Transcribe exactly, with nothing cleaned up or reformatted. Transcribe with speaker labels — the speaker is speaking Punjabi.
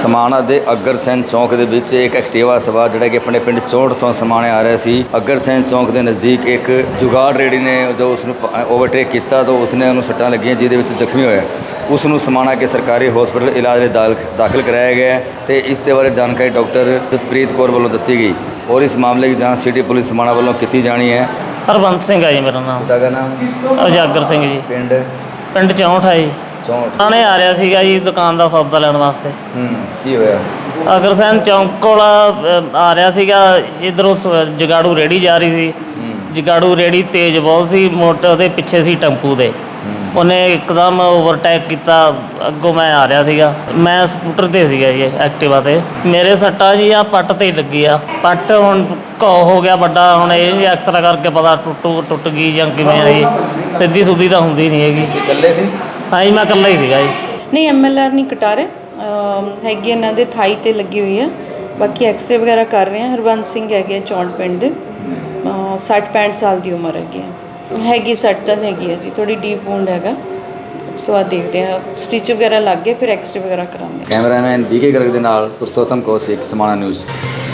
Speaker 1: ਸਮਾਣਾ ਦੇ ਅਗਰਸੈਨ ਚੌਂਕ ਦੇ ਵਿੱਚ ਇੱਕ ਐਕਟਿਵਾ ਸਵਾਰ ਜਿਹੜਾ ਕਿ ਆਪਣੇ ਪਿੰਡ ਚੌਂਟ ਤੋਂ ਸਮਾਣੇ ਆ ਰਿਹਾ ਸੀ। ਅਗਰਸੈਨ ਚੌਂਕ ਦੇ ਨਜ਼ਦੀਕ ਇੱਕ ਜੁਗਾੜ ਰੇੜੀ ਨੇ ਜੋ ਉਸ ਨੂੰ ਓਵਰਟੇਕ ਕੀਤਾ ਤਾਂ ਉਸਨੇ ਉਹਨੂੰ ਸੱਟਾਂ ਲੱਗੀਆਂ, ਜਿਹਦੇ ਵਿੱਚ ਜ਼ਖਮੀ ਹੋਇਆ। ਉਸ ਨੂੰ ਸਮਾਣਾ ਕੇ ਸਰਕਾਰੀ ਹਸਪਤਾਲ ਇਲਾਜ ਲਈ ਦਾਲ ਦਾਖਲ ਕਰਾਇਆ ਗਿਆ ਤੇ ਇਸ ਦੇ ਬਾਰੇ ਜਾਣਕਾਰੀ ਡਾਕਟਰ ਜਸਪ੍ਰੀਤ ਕੌਰ ਵੱਲੋਂ ਦਿੱਤੀ ਗਈ ਔਰ ਇਸ ਮਾਮਲੇ ਦੀ ਜਾਂਚ ਸਿਟੀ ਪੁਲਿਸ ਸਮਾਣਾ ਵੱਲੋਂ ਕੀਤੀ ਜਾਣੀ ਹੈ।
Speaker 2: ਹਰਬੰਸ ਸਿੰਘ ਹੈ ਜੀ ਮੇਰਾ ਨਾਮ।
Speaker 1: ਪਿਤਾ ਦਾ ਨਾਮ
Speaker 2: ਉਜਾਗਰ ਸਿੰਘ ਜੀ।
Speaker 1: ਪਿੰਡ
Speaker 2: ਪਿੰਡ ਚੌਂਠ ਹੈ ਜੀ।
Speaker 1: ਚੌਂਠ।
Speaker 2: ਆਣੇ ਆ ਰਿਹਾ ਸੀਗਾ ਜੀ ਦੁਕਾਨ ਦਾ ਸੌਦਾ ਲੈਣ ਵਾਸਤੇ।
Speaker 1: ਹੂੰ ਕੀ ਹੋਇਆ?
Speaker 2: ਅਗਰਸੈਨ ਚੌਂਕ ਕੋਲ ਅ, ਆ ਰਿਹਾ ਸੀਗਾ। ਇੱਧਰੋਂ ਸ- ਜਗਾੜੂ ਰੇੜੀ ਜਾ ਰਹੀ ਸੀ। ਜਗਾੜੂ ਰੇੜੀ ਤੇਜ਼ ਬਹੁਤ ਸੀ, ਮੋਟਰ ਦੇ ਪਿੱਛੇ ਸੀ ਟੈਂਪੂ ਦੇ। ਉਹਨੇ ਇੱਕਦਮ ਓਵਰਟੇਕ ਕੀਤਾ। ਅੱਗੋਂ ਮੈਂ ਆ ਰਿਹਾ ਸੀਗਾ, ਮੈਂ ਸਕੂਟਰ ਤੇ ਸੀਗਾ ਜੀ, ਐਕਟਿਵਾ ਤੇ। ਮੇਰੇ ਸੱਟਾਂ ਜੀ ਆ ਪੱਟ ਤੇ ਹੀ ਲੱਗੀ ਆ। ਪੱਟ ਹੁਣ ਘੋ ਹੋ ਗਿਆ ਵੱਡਾ। ਹੁਣ ਇਹ ਐਕਸਰਾ ਕਰਕੇ ਪਤਾ ਟੁੱਟੂ ਟੁੱਟ ਗਈ ਜਾਂ ਕਿਵੇਂ ਆ ਜੀ। ਸਿੱਧੀ ਸੁੱਧੀ ਤਾਂ ਹੁੰਦੀ ਨਹੀਂ ਹੈਗੀ।
Speaker 1: ਤੁਸੀਂ ਇਕੱਲੇ ਸੀ?
Speaker 2: ਹਾਂ ਜੀ, ਮੈਂ ਇਕੱਲਾ ਹੀ ਸੀਗਾ ਜੀ।
Speaker 3: ਨਹੀਂ, ਐਮ ਐਲ ਆਰ ਨਹੀਂ ਕਟਾ ਰਹੇ, ਅਮ ਹੈਗੀ ਇਹਨਾਂ ਦੇ ਥਾਈ ਤੇ ਲੱਗੀ ਹੋਈ ਹੈ। ਬਾਕੀ ਐਕਸਰੇ ਵਗੈਰਾ ਕਰ ਰਹੇ ਆ। ਹਰਬੰਸ ਸਿੰਘ ਹੈਗੇ ਚੌਂਟ ਪਿੰਡ ਦੇ, ਸੱਠ ਪੈਂਹਠ ਸਾਲ ਦੀ ਉਮਰ ਹੈਗੀ ਹੈ। ਹੈਗੀ ਸੱਟ ਤਾਂ ਹੈਗੀ ਹੈ ਜੀ, ਥੋੜੀ ਡੀਪ ਵੂੰਡ ਹੈਗਾ। ਸੋ ਆ ਦੇਖਦੇ ਆ, ਸਟਿਚ ਵਗੈਰਾ ਲੱਗ ਗਏ, ਫਿਰ ਐਕਸਰੇ ਵਗੈਰਾ ਕਰਾਉਂਦੇ।
Speaker 1: ਕੈਮਰਾਮੈਨ ਬੀਕੇ ਗਰਗ ਦੇ ਨਾਲ ਪੁਰਸ਼ੋਤਮ ਕੌਸ਼ਿਕ, ਸਮਾਣਾ ਨਿਊਜ਼।